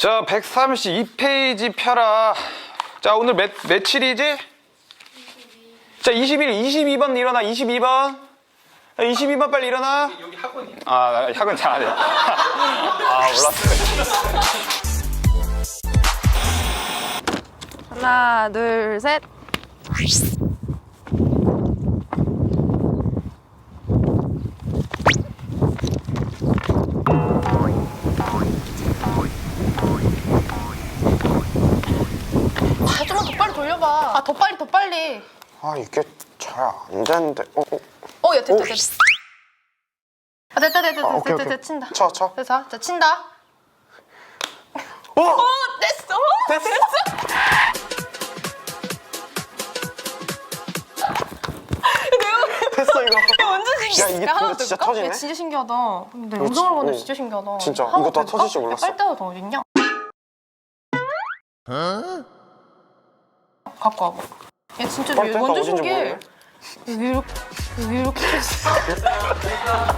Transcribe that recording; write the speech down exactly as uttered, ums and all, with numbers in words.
자, 백삼십이 페이지 펴라. 자, 오늘 몇, 며칠이지? 자, 이십일, 이십이 번 일어나, 이십이 번. 이십이 번 빨리 일어나. 여기 학원이에요. 아, 학원 잘하네. 아, 몰랐어. 하나, 둘, 셋. 아, 좀만 더 빨리 돌려봐. 아, 더 빨리, 더 빨리. 아 이게 잘 안 되는데. 어, 어. 어, 야, 됐다, 오, 됐다. 아, 됐다, 됐다, 됐다, 아, 오케이, 됐다, 오케이. 됐다, 친다. 쳐, 쳐. 됐어, 자, 친다. 어! 어, 됐어, 됐어. 됐어 이거. 완전 신기해. 야, 이게 하나 근데 더 진짜 해볼까? 터지네? 야, 진짜 신기하다. 근데 이거 영상으로 진- 보는데 어. 진짜 신기하다. 진짜. 하나 이거 더 다 터질 줄 해볼까? 몰랐어. 빨대가 더 어딨냐? 갖고 와봐. 야, 진짜 빨대가 완전 어딘지 신기해. 모르네. 여기 이렇게, 여기 이렇게 했어.